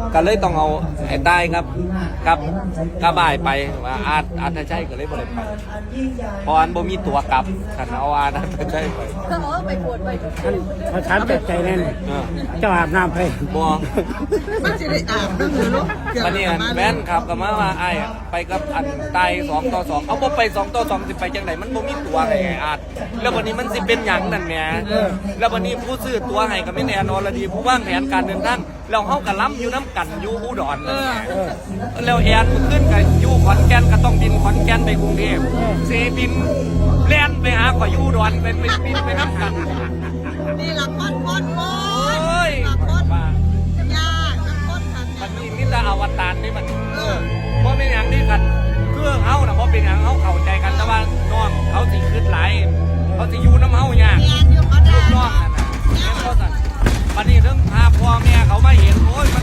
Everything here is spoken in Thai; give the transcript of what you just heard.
ก็เลยต้องเอาไอ้ใต้กับบ่ายไปว่าอาจจะใช่ก็เลยบ่ได้ไปเพราะอันบ่มีตัวกลับคันเอาอาจจะใช่ไปเขาไปปวดไปเขาถามใจแน่นเจ้าอาบน้ำไปบ่มันจะได้อาบน้ำหรือลูกวันนี้แม่นขับกับมาว่าไอ้ไปกับอันใต้2-2เอาบ่ไป2-2สิไปจังไดมันบ่มีตัวไงอาจแล้ววันนี้มันสิเป็นหยังนั่นแหมแล้ววันนี้ผู้ซื้อตัวให้ก็ไม่แน่นอนละดีผู้วางแผนการเดินทางเราเฮาก็ล้ำอยู่น้ำกันอยู่อุดรนั่นแหละแล้วแอนขึ้นกับอยู่ขอนแก่นก็ต้องบินขอนแก่นไปกรุงเทพเซบินแล่นไปหาข่อยอยู่อุดรไปบินไปน้ำกันนี่ละคนโอ้ยว่ายากละคนค่ะมันมีมิตรอวตารนี่มันเพราะเป็นอย่างนี้กันเครื่องเฮานะเพราะเป็นอย่างเฮาเข้าใจกันแต่ว่าน้องเขาสิขึ้นหลายเขาสิอยู่น้ำเฮาเนี่ยเรียนอยู่เขาลูได้กน้องนั่นน่ะแม่นก็สั่นวันนี้เรื่องพาพ่อแม่เขามาเห็นโอ้ย